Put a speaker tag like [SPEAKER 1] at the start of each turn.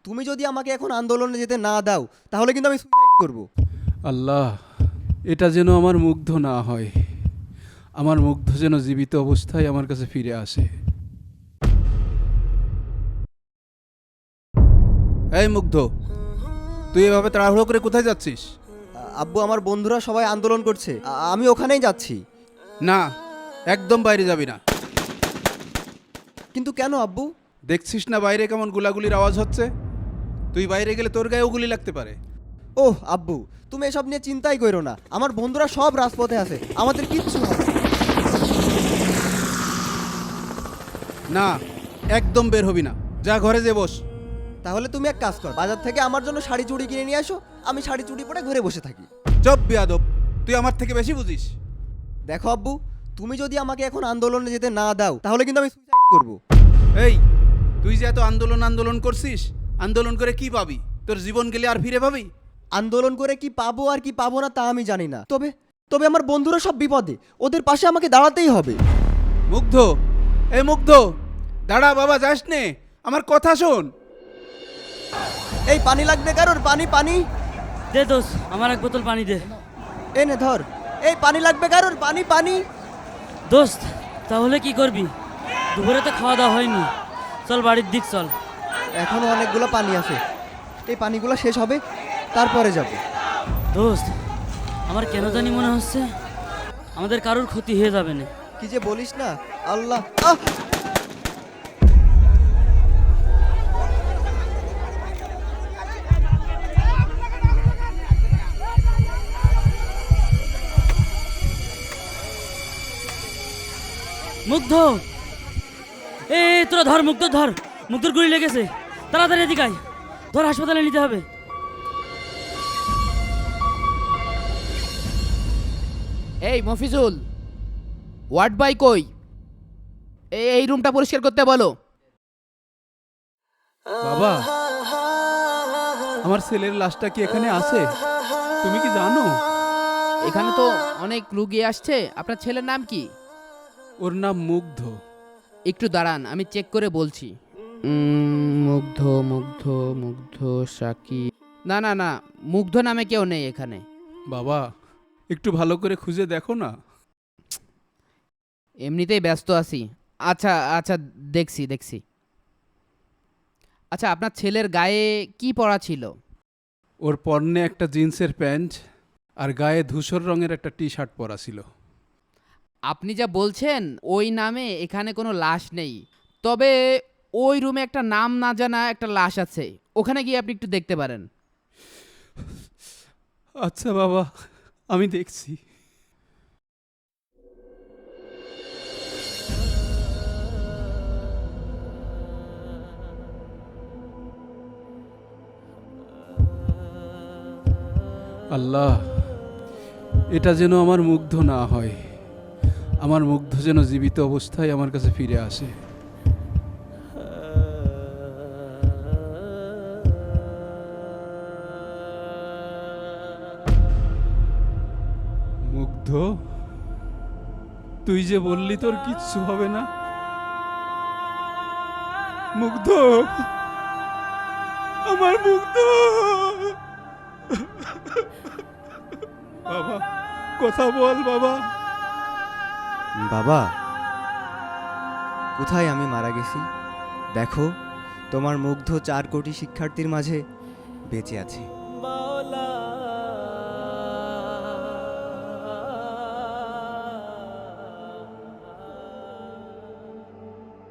[SPEAKER 1] তুমি যদি আমাকে এখন আন্দোলনে যেতে না দাও তাহলে কিন্তু আমি সুইসাইড করব।
[SPEAKER 2] আল্লাহ, এটা যেন আমার মুগ্ধ না হয়, আমার মুগ্ধ যেন জীবিত অবস্থায় আমার কাছে ফিরে আসে।
[SPEAKER 3] এই মুগ্ধ, তুই এভাবে তাড়াহুড়ো করে কোথায় যাচ্ছিস?
[SPEAKER 1] আব্বু, আমার বন্ধুরা সবাই আন্দোলন করছে, আমি ওখানেই যাচ্ছি।
[SPEAKER 3] না, একদম বাইরে যাবি না।
[SPEAKER 1] কিন্তু কেন আব্বু?
[SPEAKER 3] দেখছিস না বাইরে কেমন গুলাগুলির আওয়াজ হচ্ছে? তুই বাইরে গেলে তোর গায়েও গুলি লাগতে পারে।
[SPEAKER 1] ওহ আব্বু, তুমি এসব নিয়ে চিন্তাই করো না, আমার বন্ধুরা সব রাজপথে আছে, আমাদের কিচ্ছু হবে না।
[SPEAKER 3] না, একদম বের হবি না, যা ঘরে যে বস।
[SPEAKER 1] তাহলে তুমি এক কাজ কর, বাজার থেকে আমার জন্য শাড়ি চুড়ি কিনে নিয়ে আসো, আমি শাড়ি চুড়ি পরে ঘরে বসে থাকি।
[SPEAKER 3] চুপ বিয়াদব, তুই আমার থেকে বেশি বুঝিস।
[SPEAKER 1] দেখো আব্বু, তুমি যদি আমাকে এখন আন্দোলনে যেতে না দাও তাহলে কিন্তু আমি সুইসাইড করব।
[SPEAKER 3] এই, তুই যে এত আন্দোলন করছিস, আন্দোলন করে কি পাবি? তোর জীবন গেলে আর ফিরে পাবি?
[SPEAKER 1] আন্দোলন করে কি পাবো আর কি পাবো না তা আমি জানি না, তবে তবে আমার বন্ধুরা সব বিপদে, ওদের পাশে আমাকে দাঁড়াতেই হবে।
[SPEAKER 3] মুগ্ধ, এই মুগ্ধ, দাঁড়া বাবা, যাস নে, আমার কথা শোন।
[SPEAKER 1] এই পানি লাগবে কারোর? পানি পানি
[SPEAKER 4] দে দোস্ত, আমার এক বোতল পানি দে।
[SPEAKER 1] এনে ধর। এই পানি লাগবে কারোর? পানি পানি।
[SPEAKER 4] দোস্ত, তাহলে কি করবি? দুপুরে তো খাওয়া দাওয়া হয়নি, চল বাড়ির দিক চল।
[SPEAKER 1] এখনো অনেকগুলো পানি আছে, এই পানিগুলো শেষ হবে তারপরে যাব।
[SPEAKER 4] দোস্ত, আমার কেন জানি মনে হচ্ছে আমাদের কারোর ক্ষতি হয়ে যাবে না।
[SPEAKER 1] কি যে বলিস না, আল্লাহ। আহ!
[SPEAKER 4] মুগ্ধ, এ তোরা ধর, মুগ্ধ ধর, মুগ্ধর গুলি লেগেছে, তাড়াতাড়ি এদিকে আয়, ধর হাসপাতালে নিতে হবে।
[SPEAKER 5] এই মফিজুল, ওয়ার্ড বাই কই? এই রুমটা পরিষ্কার করতে বলো।
[SPEAKER 2] বাবা, আমার ছেলের লাশটা কি এখানে আছে? তুমি কি জানো?
[SPEAKER 5] এখানে তো অনেক রুগী আসছে। আপনার ছেলের নাম কি?
[SPEAKER 2] ওর নাম মুগ্ধ।
[SPEAKER 5] একটু দাঁড়ান, আমি চেক করে বলছি। মুগ্ধ মুগ্ধ মুগ্ধ সাকি, না না না, মুগ্ধ নামে কেউ নেই এখানে।
[SPEAKER 2] বাবা, একটু ভালো করে খুঁজে দেখো না।
[SPEAKER 5] এমনিতেই ব্যস্ত আছি। আচ্ছা আচ্ছা, দেখছি দেখছি। আচ্ছা, আপনার ছেলের গায়ে কি পরা ছিল?
[SPEAKER 2] ওর পরনে একটা জিন্সের প্যান্ট আর গায়ে ধূসর রঙের একটা টি শার্ট পরা ছিল।
[SPEAKER 5] আপনি যা বলছেন ওই নামে এখানে কোনো লাশ নেই, তবে ওই রুমে একটা নাম না জানা একটা লাশ আছে, ওখানে গিয়ে আপনি একটু দেখতে পারেন।
[SPEAKER 2] আচ্ছা বাবা, আমি দেখছি। আল্লাহ, এটা যেন আমার মুগ্ধ না হয়, আমার মুগ্ধ যেন জীবিত অবস্থায় আমার কাছে ফিরে আসে। মুগ্ধ, তুই যে বললি তোর কিচ্ছু হবে না। মুগ্ধ, আমার মুগ্ধ। বাবা, কথা বল বাবা।
[SPEAKER 1] বাবা, কোথায় আমি মারা গেছি? দেখো, তোমার মুগ্ধ 4 কোটি শিক্ষার্থীর মাঝে বেঁচে আছে।